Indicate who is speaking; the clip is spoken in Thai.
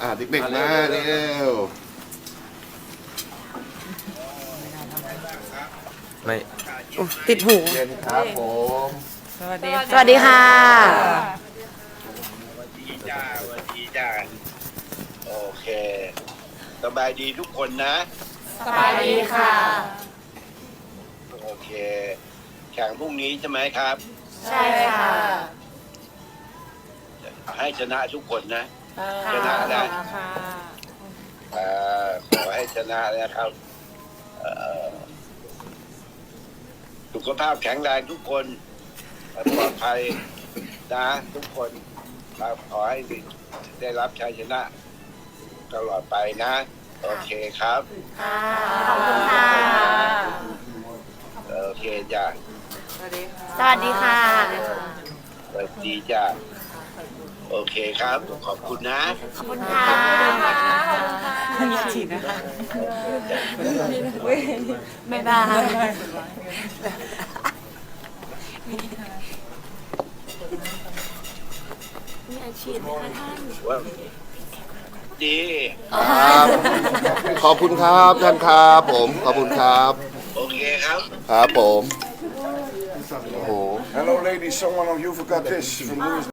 Speaker 1: เด็กๆมาเร็ว
Speaker 2: ไม่
Speaker 3: ติดหู
Speaker 1: เย็นครับผม
Speaker 3: สวัสดีค่ะ
Speaker 4: ดีจ้าสวัสดีจ้าโอเคสบายดีทุกคนนะ
Speaker 3: สบายดีค่ะ
Speaker 4: โอเคแข่งพรุ่งนี้ใช่ไหมครับ
Speaker 3: ใช่ค่ะ
Speaker 4: ให้ชนะทุกคนนะชนะนะขอให้ชนะนะครับสุขภาพแข็งแรงทุกคนปลอดภัยนะทุกคนครับขอให้ได้รับชัยชนะตลอดไปนะโอเคครับ
Speaker 3: ขอบคุณค่ะ
Speaker 4: โอเคจ้า
Speaker 3: สวัสดีค่ะ
Speaker 4: สวัสดีจ้าโอเคครับขอบคุณนะ
Speaker 3: ขอบคุณค่ะอยากฉีดนะคะบ๊ายบายมีอาชีพไหมคะท่าน
Speaker 4: ว่าดี
Speaker 1: ครับขอบคุณครับท่านครับผมขอบคุณครับ
Speaker 4: โอเคครับ
Speaker 1: ครับผมโอ้โห
Speaker 5: Hello ladies, someone of you forgot this from Louis